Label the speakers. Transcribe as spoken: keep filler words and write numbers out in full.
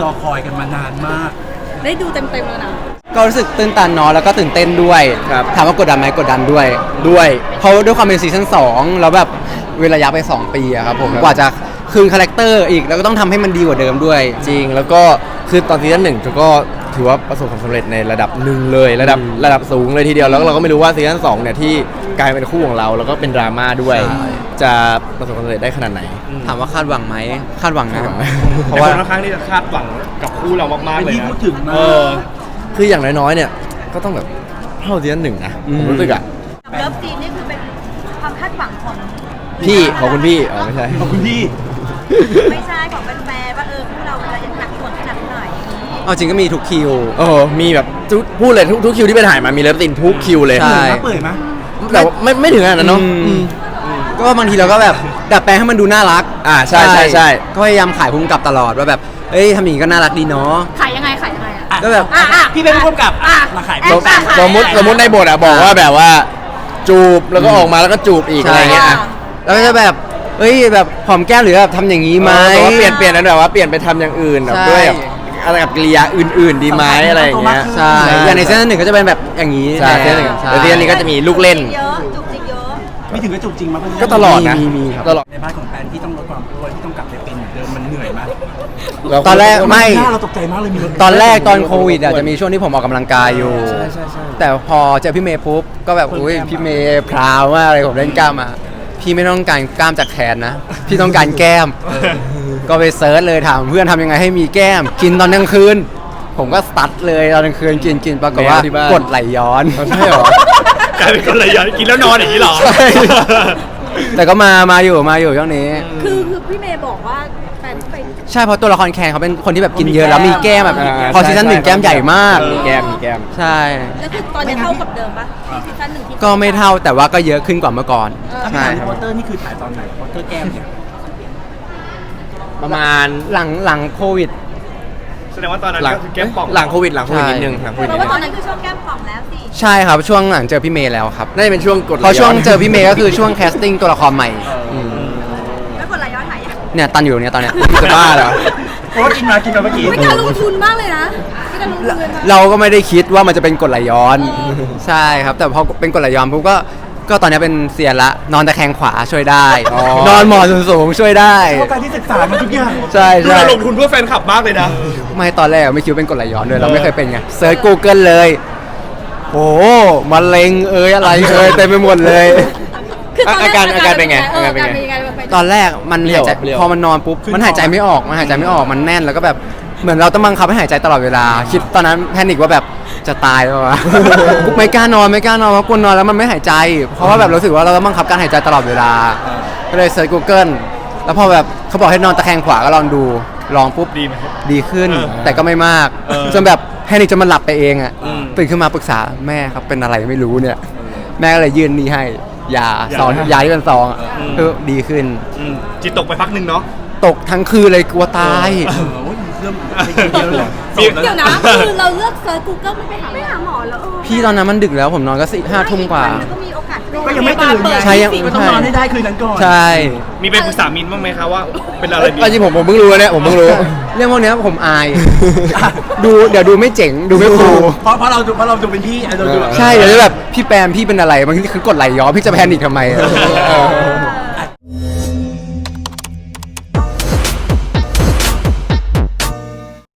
Speaker 1: รอคอยกันมานานมาก
Speaker 2: ได้ดูเต็มๆแล้วนะ
Speaker 3: ก็รู้สึกตื่นตันเนาะแล้วก็ตื่นเต้นด้วยถามว่ากดดันไหมกดดันด้วยด้วยเพราะด้วยความเป็นซีซั่นสองแล้วแบบเวลาระยะไปสองปีอะครับผมกว่าจะคืนคาแรคเตอร์อีกแล้วก็ต้องทำให้มันดีกว่าเดิมด้วย
Speaker 4: จริงแล้วก็คือตอนซีซั่นหนึ่งก็ถือว่าประสบความสำเร็จในระดับหนึ่งเลยระดับระดับสูงเลยทีเดียวแล้วเราก็ไม่รู้ว่าซีซั่นสองเนี่ยที่กลายเป็นคู่ของเราแล้วก็เป็นดราม่าด้วยจะประสบความสำเร็จได้ขนาดไหน
Speaker 3: ถามว่าคาดหวังไหมคาดหวังนะ
Speaker 5: เพราะว่าค่อนข้างที่จะคาดหวังกับคู่เรามากๆเลยนะ
Speaker 1: พูดถึงมา
Speaker 4: คืออย่างน้อยๆเนี่ยก็ต้องแบบเท่าซีซั่นหนึ่งนะผมรู้สึกอะ
Speaker 2: เลิฟซีนนี่คือเป็นความคาดหวังของ
Speaker 4: พี่ของคุณพี่อ๋อไม่ใช่
Speaker 1: ของคุณพี่
Speaker 2: ไม่ใช่ของแฟนๆว่าเออคู่เราจะหนักหน่วงขนาดไหน
Speaker 3: เอาจริงก็มีทุกคิว
Speaker 4: โอ้มีแบบพูดเลยทุกทุกคิวที่ไปถ่ายมามีเลิฟซีนทุกคิวเลย
Speaker 3: ใช่
Speaker 1: เปิดไหม
Speaker 4: แต่ไม่ไม่ถึงขนาดนั้นเนาะ
Speaker 3: ก็บางทีเราก็แบบดัดแปลงให้มันดูน่ารัก
Speaker 4: อ่าใช่ใช่ใช่
Speaker 3: ก็พยายามขายพุ่งกับตลอดว่าแบบเอ้ยทำอย่างนี้ก็น่ารักดีเนาะ
Speaker 2: ขายยังไงขายยังไงอ่ะ
Speaker 3: ก็แบบ
Speaker 1: พี่เป็นผู้กำกับมาขาย
Speaker 4: สมมติสมมติในบทอะบอกว่าแบบว่าจูบแล้วก็ออกมาแล้วก็จูบอีกอะไรเงี้ย
Speaker 3: แล้วก็จะแบบเอ้ยแบบหอมแก้มหรือแบบทำอย่างนี้ไหม
Speaker 4: เปลี่ยนเปลี่ยนนั้นแบบว่าเปลี่ยนไปทำอย่างอื่นแบบด้วยอะไรกับกิริยาอื่นๆดีไหมอะไรอย่างเงี้ย
Speaker 3: ใช่อย่างในซีซั่นหนึ่งก็จะเป็นแบบอย่างนี้
Speaker 4: ใช่ซีซั่นหนึ่งแต่ซีซั่นนี้ก็จะมีลูกเล่น
Speaker 2: เยอะจุกจิกเยอะ
Speaker 1: ไม่ถึงก็จุกจริงมั้ย
Speaker 4: ก็ตลอดนะ
Speaker 3: มีครับ
Speaker 4: ตลอด
Speaker 1: ในบ้านของแฟนที่ต้องลดความอ้วนที่ต้องกลับไปเป็นเหมือนเดิมมันเหนื่อยมาก
Speaker 3: ตอนแรกไม่
Speaker 1: เราตกใจมากเลยมี
Speaker 3: ตอนแรกตอนโควิดอ่ะจะมีช่วงที่ผมออกกำลังกายอยู่แต่พอเจอพี่เมย์ปุ๊บก็แบบอุ้ยพี่เมย์พราวมากเลยผมเล่นกล้ามมาพี่ไม่ต้องการกล้ามจากแขนนะพี่ต้องการแก้มก็ไปเซิร์ชเลยถามเพื่อนทำยังไงให้มีแก้มกินตอนกลางคืนผมก็สตัดเลยตอนกลางคืนกินกินปรากฏว่ากดไหลย้อน
Speaker 4: ใช่หร
Speaker 5: อกลายเป็นกดไหลย้อนกินแล้วนอนอย่างนี้หรอ
Speaker 3: ใช่แต่ก็มามาอยู่มาอยู่ช่วงนี้
Speaker 2: คือคือพี่เมย์บอกว่าแฟนไป
Speaker 3: ใช่เพราะตัวละครแคนเขาเป็นคนที่แบบกินเยอะแล้วมีแก้มแบบพอซีซั่นหนึ่งแก้มใหญ่มาก
Speaker 4: มีแก้มมีแก้ม
Speaker 3: ใช่
Speaker 2: แล้วคือตอนนี้เท่ากับเดิมปะซีซั่นหนึ่ง
Speaker 3: ก็ไม่เท่าแต่ว่าก็เยอะขึ้นกว่าเมื่อก่อน
Speaker 1: ใช่พอเตอร์นี่คือถ่ายตอนไหนพอเตอร์แก้มเนี่ย
Speaker 4: ประมาณ
Speaker 3: หลังหลังโควิด
Speaker 5: แสดงว่าตอนนั้นก็คือแก้มป่อง
Speaker 4: หลังโควิดหลังโควิดนิดนึงหลังโควิด
Speaker 2: นิดนึงเพราะว่าตอนนั้นคือช่วงแก้มป่องแล้วสิ
Speaker 3: ใช่ครับช่วงหลังเจอพี่เมย์แล้วครับ
Speaker 4: น่าจะเป็นช่วงกด
Speaker 3: พอช่วงเจอพี่เมย์ก็คือช่วงแคสติ้งตัวละครใหม่
Speaker 2: แล้วกดไหลย้อนหาย
Speaker 3: เนี่ยตันอยู่เนี่ยตอนเนี้ย
Speaker 4: จะบ้าเหรอ
Speaker 1: เพราะว่ากินมากินมาเมื่อกี้
Speaker 2: ไม่การลงทุนมากเลยนะไม่การลงทุนเลย
Speaker 3: เราก็ไม่ได้คิดว่ามันจะเป็นกดไหลย้อนใช่ครับแต่พอเป็นกดไหลย้อนปุ๊บก็ก็ตอนนี้เป็นเซียนละนอนตะแคงขวาช่วยได้นอนหมอนสูงๆช่วยได้
Speaker 1: เพราะการที่ศึกษามันทุกอย่าง
Speaker 3: ใช่ใช่
Speaker 5: เราลงทุนเพื่อแฟนคลับมากเลยนะ
Speaker 3: ไม่ตอนแรกไม่คิดว่าเป็นกดไหลย้อนด้วยเราไม่เคยเป็นไงเซิร์ช Google เลยโอ้มะเร็งเอ้ยอะไรเอ้ยเต็มไปหมดเลย
Speaker 4: อาการอาการเป็นไงอาการเป็นไง
Speaker 3: ตอนแรกมันหายใจพอมันนอนปุ๊บมันหายใจไม่ออกมันหายใจไม่ออกมันแน่นแล้วก็แบบเหมือนเราต้องบังคับให้หายใจตลอดเวลาคิดตอนนั้นแพนิคว่าแบบจะตายแล้ววะไม่กล้านอนไม่กล้านอนเพราะกลัวนอนแล้วมันไม่หายใจเพราะว่าแบบรู้สึกว่าเราต้องบังคับการหายใจตลอดเวลาก็เลยเซิร์ช Google แล้วพอแบบเขาบอกให้นอนตะแคงขวาก็ลองดูลองปุ๊บ
Speaker 5: ดีไหม
Speaker 3: ดีขึ้นแต่ก็ไม่มากจนแบบแพนิคจนมันหลับไปเองอ่ะตื่นขึ้นมาปรึกษาแม่ครับเป็นอะไรไม่รู้เนี่ยแม่ก็เลยยื่นนี่ให้ยาซองยาที่เป็นซองคือดีขึ้น
Speaker 5: จิตตกไปพักหนึ่งเนาะ
Speaker 3: ตกทั้งคืนเลยกลัวตาย
Speaker 1: เริ่มเยอะเลย
Speaker 2: เดี๋ยวนะคือเราเลือกเซิร์ช Google ไม่ไปหาไม่หาหมอแล้ว
Speaker 3: พี่ตอนนั้นมันดึกแล้วผมนอนก็สี่ห้าทุ่มกว่า
Speaker 2: ก็มีโอกาส
Speaker 1: ก็ยังไม่ตื่น
Speaker 3: ใช่ยัง
Speaker 1: ก็ต้องนอนให้ได้คืนนั้นก่อน
Speaker 3: ใช่
Speaker 5: มีไปปรึกษามินบ้างไหมคะว่าเป็นอะไรดี
Speaker 4: จริงผมผมเพิ่งรู้เนี่ยผมเพิ่งรู้
Speaker 3: เรื่องพวกนี้ผมอายดูเดี๋ยวดูไม่เจ๋งดูไม่คูล
Speaker 1: เพราะเพราะเราเพราะเราดูเป็นพี่
Speaker 3: ใช่เดี๋ยวจะแบบพี่แปมพี่เป็นอะไรบางทีคือกดไหลย้อนพี่จะแพนิคทำไม